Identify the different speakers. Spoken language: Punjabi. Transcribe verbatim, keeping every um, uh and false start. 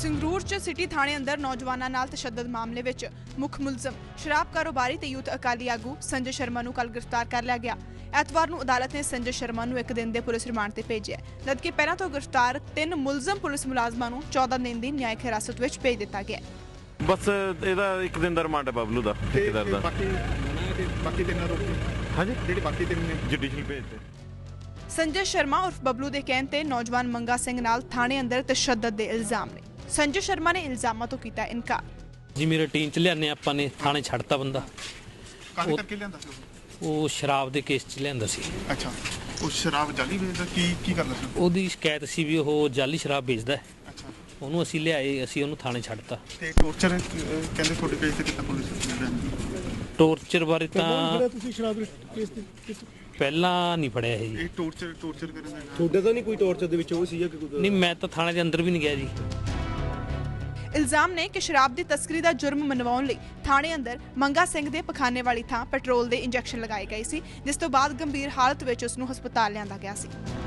Speaker 1: ਸੰਗਰੂਰ ਚ ਸਿਟੀ ਥਾਣੇ ਅੰਦਰ ਨੌਜਵਾਨਾਂ ਨਾਲ ਤਸ਼ੱਦਦ ਮਾਮਲੇ ਵਿੱਚ ਮੁੱਖ ਮੁਲਜ਼ਮ ਸ਼ਰਾਬ ਕਾਰੋਬਾਰੀ ਤੇ ਯੂਥ ਅਕਾਲੀ ਆਗੂ ਸੰਜੇ ਸ਼ਰਮਾ ਨੂੰ ਕੱਲ੍ਹ ਗ੍ਰਿਫਤਾਰ ਕਰ ਲਿਆ ਗਿਆ। ਐਤਵਾਰ ਨੂੰ ਅਦਾਲਤ ਨੇ ਸੰਜੇ ਸ਼ਰਮਾ ਨੂੰ ਇੱਕ ਦਿਨ ਦੇ ਪੁਲਿਸ ਰਿਮਾਂਡ ਤੇ ਭੇਜਿਆ, ਜਦਕਿ ਪਹਿਲਾਂ ਤੋਂ ਗ੍ਰਿਫਤਾਰ ਤਿੰਨ ਮੁਲਜ਼ਮ ਪੁਲਿਸ ਮੁਲਾਜ਼ਮਾਂ ਨੂੰ ਚੌਦਾਂ ਦਿਨ ਦੀ ਨਿਆਇਕ ਹਿਰਾਸਤ ਵਿੱਚ ਭੇਜ ਦਿੱਤਾ ਗਿਆ।
Speaker 2: ਬਸ ਇਹਦਾ ਇੱਕ ਦਿਨ ਦਾ ਰਿਮਾਂਡ ਹੈ ਬਬਲੂ ਦਾ, ਠੇਕੇਦਾਰ ਦਾ।
Speaker 3: ਬਾਕੀ ਬਾਕੀ ਤਿੰਨਾਂ ਰੋਕ
Speaker 2: ਹਾਂਜੀ,
Speaker 3: ਜਿਹੜੇ ਬਾਕੀ ਤਿੰਨ ਨੇ
Speaker 2: ਜੁਡੀਸ਼ੀਅਲ ਭੇਜ ਤੇ।
Speaker 1: ਸੰਜੇ ਸ਼ਰਮਾ ਉਰਫ ਬਬਲੂ ਦੇ ਕਹਿਣ ਤੇ ਨੌਜਵਾਨ ਮੰਗਾ ਸਿੰਘ ਨਾਲ ਥਾਣੇ ਅੰਦਰ ਤਸ਼ੱਦਦ ਦੇ ਇਲਜ਼ਾਮ ਨੇ। ਸੰਜੇ ਸ਼ਰਮਾ ਨੇ ਇਲਜ਼ਾਮਾਂ ਤੋਂ ਕੀਤਾ ਇਨਕਾਰ।
Speaker 4: ਜੀ ਮੇਰੀ ਰੂਟੀਨ ਚ ਲਿਆਨੇ ਆਪਾਂ ਨੇ ਥਾਣੇ ਛੱਡਤਾ ਬੰਦਾ।
Speaker 3: ਕਾਹਦੇ ਕਰਕੇ ਲਿਆਂਦਾ ਸੀ
Speaker 4: ਉਹ ਸ਼ਰਾਬ ਦੇ ਕੇਸ ਚ ਲਿਆਂਦਾ ਸੀ।
Speaker 3: ਅੱਛਾ, ਉਹ ਸ਼ਰਾਬ ਜਾਲੀ ਵੇਚਦਾ, ਕੀ ਕੀ ਕਰਦਾ ਸੀ?
Speaker 4: ਉਹਦੀ ਸ਼ਿਕਾਇਤ ਸੀ ਵੀ ਉਹ ਜਾਲੀ ਸ਼ਰਾਬ ਵੇਚਦਾ।
Speaker 3: ਅੱਛਾ,
Speaker 4: ਉਹਨੂੰ ਅਸੀਂ ਲਿਆਏ, ਅਸੀਂ ਉਹਨੂੰ ਥਾਣੇ ਛੱਡਤਾ।
Speaker 3: ਤੇ ਟੋਰਚਰ ਕਹਿੰਦੇ ਤੁਹਾਡੇ ਕੇਸ ਤੇ ਕਿੰਨਾ ਪੁਲਿਸ ਨੇ?
Speaker 4: ਟੋਰਚਰ ਬਾਰੇ ਤਾਂ
Speaker 5: ਤੁਸੀਂ ਸ਼ਰਾਬ ਕੇਸ ਤੇ
Speaker 4: ਪਹਿਲਾਂ ਨਹੀਂ ਫੜਿਆ ਇਹ ਜੀ।
Speaker 3: ਇਹ ਟੋਰਚਰ ਟੋਰਚਰ ਕਰਨ ਦਾ
Speaker 5: ਤੁਹਾਡੇ ਤਾਂ ਨਹੀਂ ਕੋਈ ਟੌਰਚਰ ਦੇ ਵਿੱਚ ਉਹ ਸੀ ਜਾਂ ਕੋਈ?
Speaker 4: ਨਹੀਂ, ਮੈਂ ਤਾਂ ਥਾਣੇ ਦੇ ਅੰਦਰ ਵੀ ਨਹੀਂ ਗਿਆ ਜੀ।
Speaker 1: ਇਲਜ਼ਾਮ ਨੇ ਕਿ ਸ਼ਰਾਬ ਦੀ ਤਸਕਰੀ ਦਾ ਜੁਰਮ ਮਨਵਾਉਣ ਲਈ ਥਾਣੇ ਅੰਦਰ ਮੰਗਾ ਸਿੰਘ ਦੇ ਪਖਾਨੇ ਵਾਲੀ ਥਾਂ ਪੈਟਰੋਲ ਦੇ ਇੰਜੈਕਸ਼ਨ ਲਗਾਏ ਗਏ ਸੀ, ਜਿਸ ਤੋਂ ਬਾਅਦ ਗੰਭੀਰ ਹਾਲਤ ਵਿੱਚ ਉਸ ਨੂੰ ਹਸਪਤਾਲ ਲਿਆਂਦਾ ਗਿਆ ਸੀ।